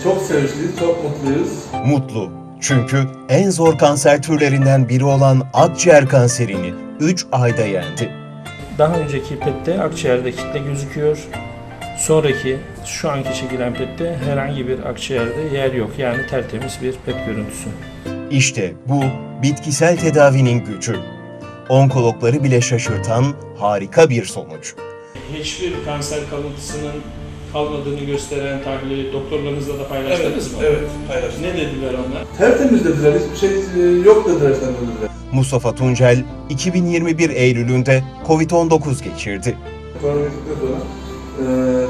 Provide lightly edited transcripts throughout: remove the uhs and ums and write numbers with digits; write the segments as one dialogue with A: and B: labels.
A: Çok sevinçliyiz, çok mutluyuz.
B: Mutlu. Çünkü en zor kanser türlerinden biri olan akciğer kanserini 3 ayda yendi.
C: Daha önceki PET'te akciğerde kitle gözüküyor. Sonraki şu anki çekilen PET'te herhangi bir akciğerde yer yok. Yani tertemiz bir PET görüntüsü.
B: İşte bu bitkisel tedavinin gücü. Onkologları bile şaşırtan harika bir sonuç.
C: Hiçbir kanser kalıntısının kalmadığını gösteren tahlili doktorlarınızla da paylaştınız mı?
A: Evet, paylaştık.
C: Ne dediler onlar?
A: Tertemiz dediler, hiçbir şey yok dediler sen dediler.
B: Mustafa Tuncel 2021 Eylül'ünde Covid-19 geçirdi.
A: Koronavirüsünden sonra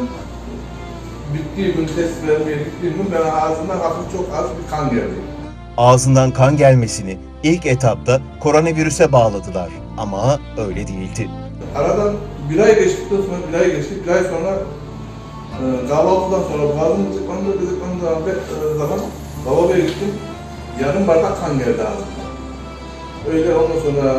A: bittiği gün, test vermeye gittiğim gün ben ağzımdan hafif çok az bir kan geldi.
B: Ağzından kan gelmesini ilk etapta koronavirüse bağladılar ama öyle değildi.
A: Aradan bir ay geçtikten sonra, bir ay sonra kahvaltıdan sonra boğazım gıdıklandığı zaman lavaboya gittim. Yarım bardak kan geldi ağzımdan. Öyle ondan sonra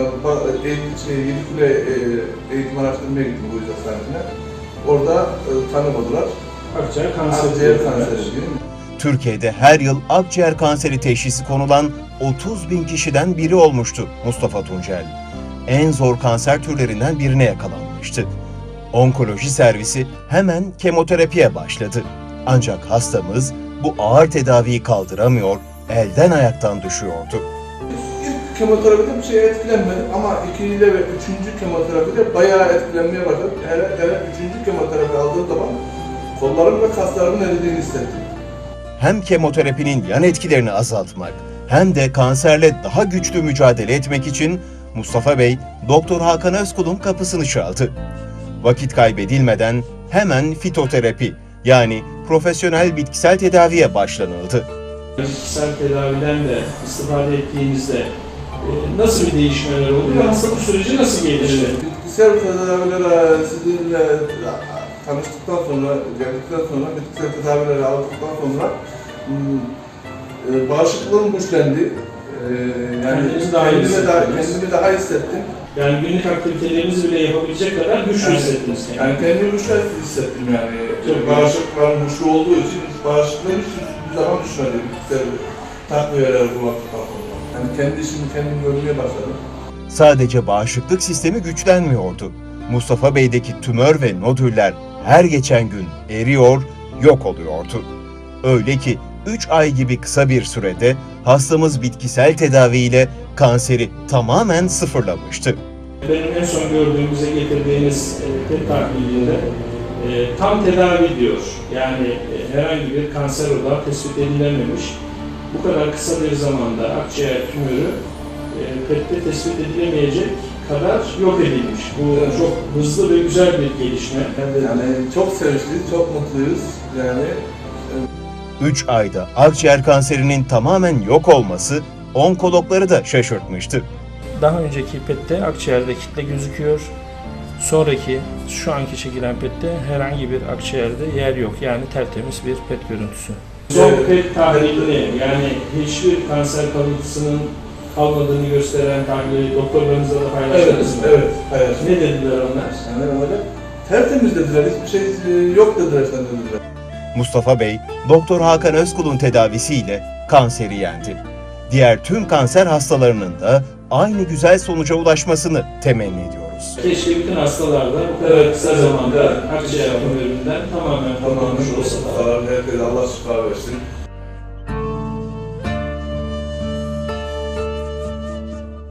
A: Yedikule eğitim araştırmaya gittim bu yüzden hastanesine. Orada tanımadılar.
C: Akciğer kanseri.
A: Akciğer kanseri diyeyim.
B: Türkiye'de her yıl akciğer kanseri teşhisi konulan 30.000 kişiden biri olmuştu Mustafa Tuncel. En zor kanser türlerinden birine yakalanmıştı. Onkoloji servisi hemen kemoterapiye başladı. Ancak hastamız bu ağır tedaviyi kaldıramıyor, elden ayaktan düşüyordu.
A: İlk kemoterapide bir şey etkilenmedim ama ikinci ve üçüncü kemoterapide bayağı etkilenmeye başladım. Hele üçüncü kemoterapi aldığım zaman kollarım ve kaslarımın eridiğini hissettim.
B: Hem kemoterapinin yan etkilerini azaltmak hem de kanserle daha güçlü mücadele etmek için Mustafa Bey, Doktor Hakan Özkul'un kapısını çaldı. Vakit kaybedilmeden hemen fitoterapi yani profesyonel bitkisel tedaviye başlanıldı.
C: Bitkisel tedaviden de istifade ettiğinizde nasıl bir değişmeler oluyor? Hastalık süreci nasıl gelişti?
A: Bitkisel tedavilere sizinle tanıştıktan sonra, geldikten sonra, bitkisel tedavileri aldıktan sonra bağışıklığım güçlendi. Yani kendimi daha hissettim.
C: Yani günlük aktivitelerinizi bile yapabilecek kadar güçlü hissettiniz.
A: Yani kendimi güçlü hissettim yani. Bağışıklarım güçlü olduğu için bağışıklığım hiçbir zaman düşmedi. Bitkisel takviyeler kullandıktan sonra. Yani kendi işimi kendim görmeye başladım.
B: Sadece bağışıklık sistemi güçlenmiyordu. Mustafa Bey'deki tümör ve nodüller her geçen gün eriyor, yok oluyordu. Öyle ki 3 ay gibi kısa bir sürede hastamız bitkisel tedaviyle kanseri tamamen sıfırlamıştı.
C: Benim en son gördüğümüze getirdiğiniz PET tahlilinde tam tedavi diyor. Yani herhangi bir kanser odağı tespit edilememiş. Bu kadar kısa bir zamanda akciğer tümörü PET'te tespit edilemeyecek kadar yok edilmiş. Bu çok hızlı ve güzel bir gelişme.
A: Yani çok sevinçliyiz, çok mutluyuz. Yani
B: 3 ayda akciğer kanserinin tamamen yok olması onkologları da şaşırtmıştı.
C: Daha önceki PET'te akciğerde kitle gözüküyor. Sonraki şu anki çekilen PET'te herhangi bir akciğerde yer yok. Yani tertemiz bir PET görüntüsü. Son PET tahlilini yani hiçbir kanser kalıntısının kalmadığını gösteren tahlili doktorlarınızla da paylaştınız mı?
A: Evet, paylaştık.
C: Ne dediler onlar?
A: Yani öyle tertemiz dediler, hiçbir şey yok dediler sen dediler.
B: Mustafa Bey, Doktor Hakan Özkul'un tedavisiyle kanseri yendi. Diğer tüm kanser hastalarının da aynı güzel sonuca ulaşmasını temenni ediyoruz.
C: Keşke bütün hastalarda bu kadar kısa zamanda akciğer tümöründen tamamen kurtulmuş olsalar.
A: Herkese Allah şifa versin.